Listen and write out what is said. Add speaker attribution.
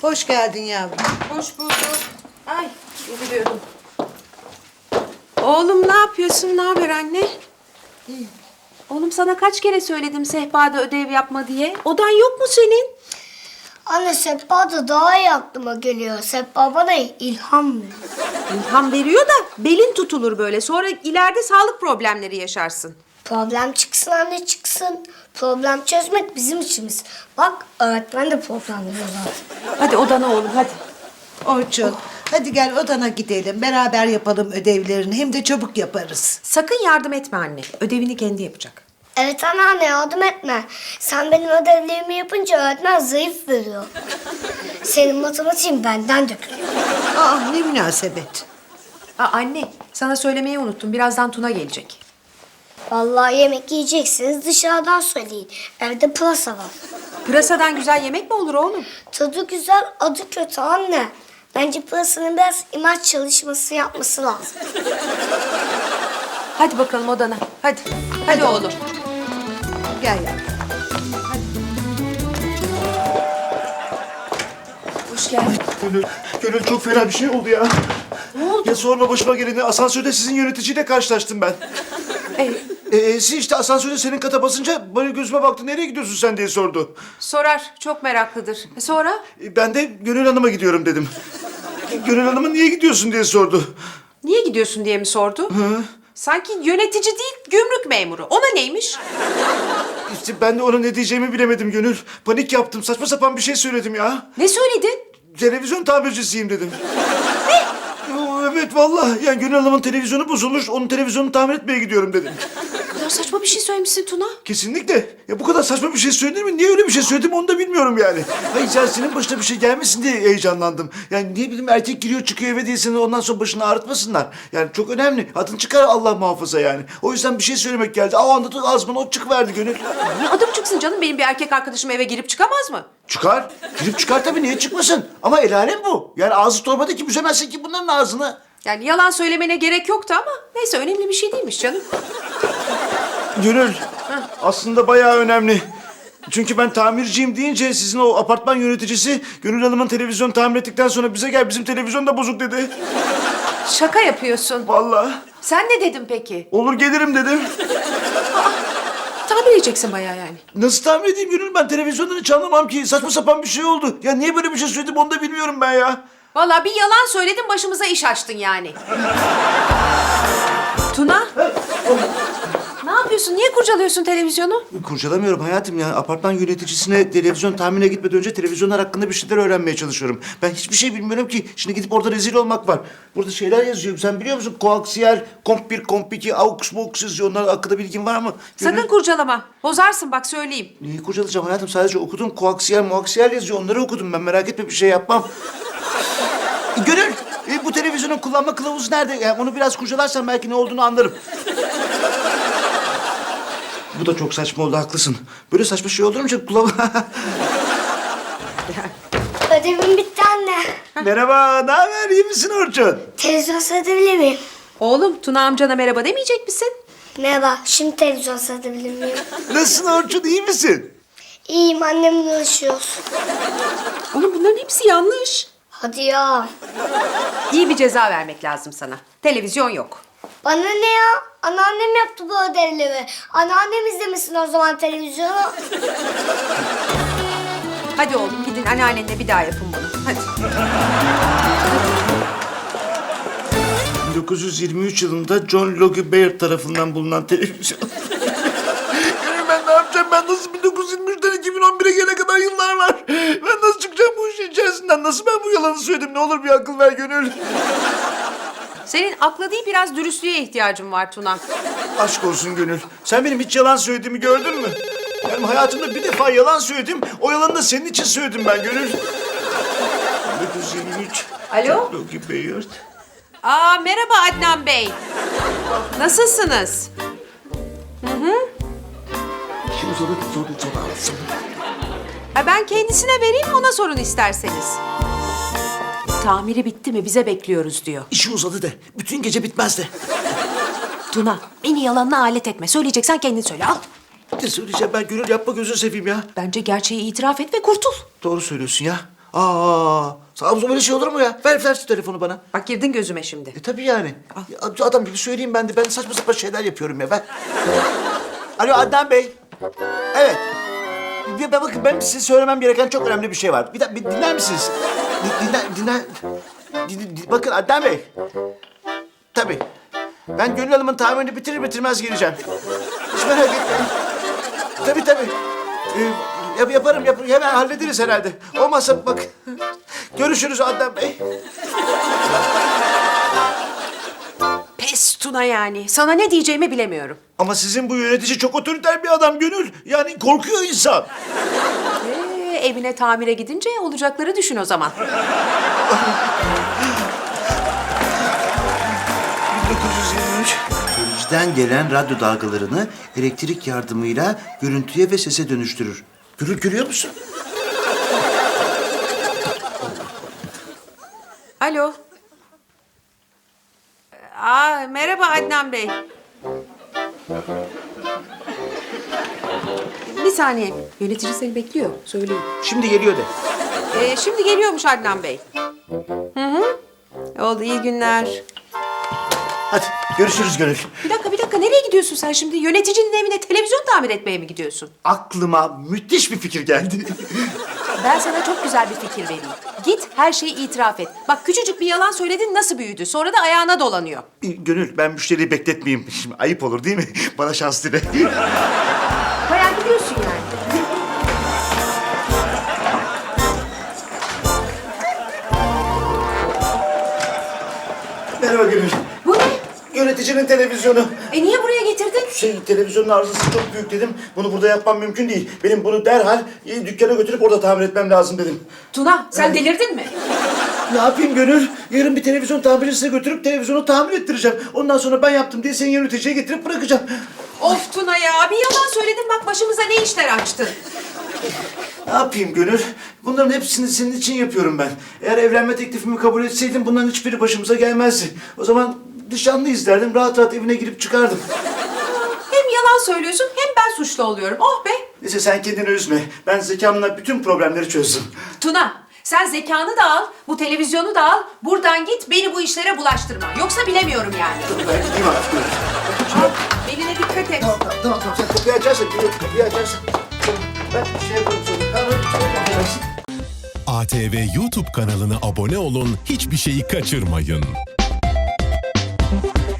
Speaker 1: Hoş geldin yavrum.
Speaker 2: Hoş bulduk. Ay, biliyordum. Oğlum ne yapıyorsun? Ne haber anne?
Speaker 1: İyi.
Speaker 2: Oğlum sana kaç kere söyledim sehpada ödev yapma diye. Odan yok mu senin?
Speaker 3: Anne sehpa da daha iyi aklıma geliyor. Sehpa bana ilham veriyor.
Speaker 2: İlham veriyor da belin tutulur böyle. Sonra ileride sağlık problemleri yaşarsın.
Speaker 3: Problem çıksın anne çıksın. Problem çözmek bizim işimiz. Bak öğretmen de problemleri zaten.
Speaker 2: Hadi odana oğlum hadi.
Speaker 1: Orçun, hadi gel odana gidelim. Beraber yapalım ödevlerini. Hem de çabuk yaparız.
Speaker 2: Sakın yardım etme anne. Ödevini kendi yapacak.
Speaker 3: Evet anneanne yardım etme. Sen benim ödevlerimi yapınca öğretmen zayıf veriyor. Senin matematiğin benden dökülüyor.
Speaker 1: Aa, ne münasebet.
Speaker 2: Aa, anne sana söylemeyi unuttum. Birazdan Tuna gelecek.
Speaker 3: Vallahi yemek yiyeceksiniz dışarıdan söyleyin. Evde pırasa var.
Speaker 2: Pırasadan güzel yemek mi olur oğlum?
Speaker 3: Tadı güzel, adı kötü anne. Bence pırasanın biraz imaj çalışması yapması lazım.
Speaker 2: Hadi bakalım odana. Hadi. Hadi oğlum.
Speaker 1: Gel yavrum.
Speaker 2: Hoş geldin.
Speaker 4: Gönül çok fena bir şey oldu ya.
Speaker 2: Ne oldu?
Speaker 4: Ya sorma başıma geleni asansörde sizin yöneticiyle karşılaştım ben. Siz işte asansörde senin kata basınca bana gözüme baktı, nereye gidiyorsun sen diye sordu.
Speaker 2: Sorar. Çok meraklıdır. Sonra?
Speaker 4: Ben de Gönül Hanım'a gidiyorum dedim. Gönül Hanım'a niye gidiyorsun diye sordu.
Speaker 2: Niye gidiyorsun diye mi sordu? Sanki yönetici değil, gümrük memuru. Ona neymiş?
Speaker 4: İşte ben de ona ne diyeceğimi bilemedim Gönül. Panik yaptım, saçma sapan bir şey söyledim ya.
Speaker 2: Ne söyledin?
Speaker 4: Televizyon tamircisiyim dedim. Ne? Evet vallahi. Yani Gönül Hanım'ın televizyonu bozulmuş, onun televizyonunu tamir etmeye gidiyorum dedim.
Speaker 2: Ne kadar saçma bir şey söylemişsin Tuna.
Speaker 4: Kesinlikle. Ya bu kadar saçma bir şey söylenir mi? Niye öyle bir şey söyledim onu da bilmiyorum yani. Hayır sen senin başına bir şey gelmesin diye heyecanlandım. Yani ne bileyim erkek giriyor çıkıyor eve diye seni ondan sonra başını ağrıtmasınlar. Yani çok önemli. Adın çıkar Allah muhafaza yani. O yüzden bir şey söylemek geldi. O anda da ağzıma o çıkıverdi Gönül.
Speaker 2: Ne adım çıksın canım? Benim bir erkek arkadaşım eve girip çıkamaz mı?
Speaker 4: Çıkar. Girip çıkar tabii, niye çıkmasın? Ama el alem bu. Yani ağzı torbada ki büzemezsin ki bunların ağzını.
Speaker 2: Yani yalan söylemene gerek yoktu ama neyse önemli bir şey değilmiş canım.
Speaker 4: Gönül, aslında bayağı önemli. Çünkü ben tamirciyim deyince sizin o apartman yöneticisi Gönül Hanım'ın televizyonu tamir ettikten sonra bize gel bizim televizyon da bozuk dedi.
Speaker 2: Şaka yapıyorsun.
Speaker 4: Vallahi.
Speaker 2: Sen ne dedin peki?
Speaker 4: Olur gelirim dedim.
Speaker 2: Tamir edeceksin bayağı yani.
Speaker 4: Nasıl tamir edeyim Gönül, ben televizyondan hiç anlamam ki. Saçma sapan bir şey oldu. Ya niye böyle bir şey söyledim onu da bilmiyorum ben ya.
Speaker 2: Vallahi bir yalan söyledin başımıza iş açtın yani. Tuna. Ne yapıyorsun? Niye kurcalıyorsun televizyonu?
Speaker 4: Kurcalamıyorum hayatım ya. Apartman yöneticisine televizyon tahmine gitmeden önce televizyonlar hakkında bir şeyler öğrenmeye çalışıyorum. Ben hiçbir şey bilmiyorum ki. Şimdi gidip orada rezil olmak var. Burada şeyler yazıyor. Sen biliyor musun? Koaksiyel, komp 1, komp 2, aux, box yazıyor. Onlar hakkında bilgin var mı?
Speaker 2: Sakın kurcalama. Bozarsın bak söyleyeyim.
Speaker 4: Neyi kurcalayacağım hayatım? Sadece okudum. Koaksiyel, muaksiyel yazıyor. Onları okudum ben. Merak etme, bir şey yapmam. Gönül, bu televizyonun kullanma kılavuzu nerede? Yani onu biraz kurcalarsan belki ne olduğunu anlarım. Bu da çok saçma oldu, haklısın. Böyle saçma şey olur mu canım?
Speaker 3: Ödevim bitti anne.
Speaker 4: Merhaba, ne haber? İyi misin Orçun?
Speaker 3: Televizyon seyredebilir miyim?
Speaker 2: Oğlum Tuna amcana merhaba demeyecek misin?
Speaker 3: Merhaba, şimdi televizyon seyredebilir miyim?
Speaker 4: Nasılsın Orçun, iyi misin?
Speaker 3: İyiyim, annemle uğraşıyoruz.
Speaker 2: Oğlum bunların hepsi yanlış.
Speaker 3: Hadi ya.
Speaker 2: İyi bir ceza vermek lazım sana. Televizyon yok.
Speaker 3: Bana ne ya? Anneannem yaptı bu ödevleri. Anneannem izlemesin o zaman televizyonu.
Speaker 2: Hadi oğlum gidin anneannenle bir daha yapın bunu. Hadi.
Speaker 4: 1923 yılında John Logie Baird tarafından bulunan televizyon. Gönül, ben ne yapacağım? Ben nasıl 1923'ten 2011'e gelene kadar yıllar var. Ben nasıl çıkacağım bu işin içerisinden? Nasıl ben bu yalanı söyledim? Ne olur bir akıl ver Gönül.
Speaker 2: Senin akla değil biraz dürüstlüğe ihtiyacın var Tuna.
Speaker 4: Aşk olsun Gönül. Sen benim hiç yalan söylediğimi gördün mü? Yani hayatımda bir defa yalan söyledim. O yalanı da senin için söyledim ben Gönül. 1923.
Speaker 2: Alo?
Speaker 4: Logie Baird.
Speaker 2: Aa merhaba Adnan Bey. Nasılsınız?
Speaker 4: Şimdi sonra anlatsın.
Speaker 2: Ha, ben kendisine vereyim ona sorun isterseniz. Tamiri bitti mi bize bekliyoruz diyor.
Speaker 4: İşi uzadı de. Bütün gece bitmez de.
Speaker 2: Tuna beni yalanına alet etme. Söyleyeceksen kendin söyle al.
Speaker 4: Ne söyleyeceğim ben Gönül, yapma gözünü seveyim ya.
Speaker 2: Bence gerçeği itiraf et ve kurtul.
Speaker 4: Doğru söylüyorsun ya. Aa, sağ böyle şey olur mu ya? Ver şu telefonu bana.
Speaker 2: Bak girdin gözüme şimdi.
Speaker 4: Tabii yani. Ya, adam gibi söyleyeyim ben de. Ben saçma sapan şeyler yapıyorum ya. Ver. Alo Adnan Bey. Evet. Bakın ben size söylemem gereken çok önemli bir şey var. Bir dinler misiniz? Bakın Adnan Bey. Tabii. Ben Gönül Hanım'ın tamirini bitirir bitirmez geleceğim. Hiç merak etmeyin. Tabii. Yaparım. Hemen hallederiz herhalde. Olmazsa bak. Görüşürüz Adnan Bey.
Speaker 2: Pes Tuna yani. Sana ne diyeceğimi bilemiyorum.
Speaker 4: Ama sizin bu yönetici çok otoriter bir adam Gönül. Yani korkuyor insan.
Speaker 2: Evine tamire gidince olacakları düşün o zaman.
Speaker 4: 1923. Görücüden gelen radyo dalgalarını elektrik yardımıyla görüntüye ve sese dönüştürür. Görüyor musun?
Speaker 2: Alo. Merhaba Adnan Bey. Bir saniye. Yönetici seni bekliyor. Söyleyeyim.
Speaker 4: Şimdi geliyor de.
Speaker 2: Şimdi geliyormuş Adnan Bey. Hı. Oldu, iyi günler.
Speaker 4: Hadi görüşürüz Gönül.
Speaker 2: Bir dakika. Nereye gidiyorsun sen şimdi? Yöneticinin evine televizyon tamir etmeye mi gidiyorsun?
Speaker 4: Aklıma müthiş bir fikir geldi.
Speaker 2: Ben sana çok güzel bir fikir vereyim. Git her şeyi itiraf et. Bak küçücük bir yalan söyledin nasıl büyüdü. Sonra da ayağına dolanıyor.
Speaker 4: Gönül ben müşteriyi bekletmeyeyim. Şimdi ayıp olur değil mi? Bana şans dile.
Speaker 2: Bayağı gidiyorsun yani.
Speaker 4: Merhaba Gönül.
Speaker 2: Bu ne?
Speaker 4: Yöneticinin televizyonu.
Speaker 2: Niye buraya getirdin?
Speaker 4: Televizyonun arızası çok büyük dedim. Bunu burada yapmam mümkün değil. Benim bunu derhal dükkana götürüp orada tamir etmem lazım dedim.
Speaker 2: Tuna sen delirdin mi?
Speaker 4: Ne yapayım Gönül? Yarın bir televizyon tamircisine götürüp televizyonu tamir ettireceğim. Ondan sonra ben yaptım diye seni yöneticiye getirip bırakacağım.
Speaker 2: Of Tuna ya, bir yalan söyledin bak başımıza ne işler açtın.
Speaker 4: Ne yapayım Gönül? Bunların hepsini senin için yapıyorum ben. Eğer evlenme teklifimi kabul etseydin bunların hiçbiri başımıza gelmezdi. O zaman nişanlıyız derdim, rahat rahat evine girip çıkardım.
Speaker 2: Hem yalan söylüyorsun hem ben suçlu oluyorum. Oh be!
Speaker 4: Neyse sen kendini üzme. Ben zekamla bütün problemleri çözdüm.
Speaker 2: Tuna, sen zekanı da al, bu televizyonu da al, buradan git beni bu işlere bulaştırma. Yoksa bilemiyorum yani.
Speaker 4: Ben gideyim artık Gönül.
Speaker 2: Beline dikkat et.
Speaker 4: Tamam. Sen kapıyı açarsan, kapıyı açarsan. Ben şey yaparım sonra.
Speaker 5: ATV YouTube kanalına abone olun, hiçbir şeyi kaçırmayın.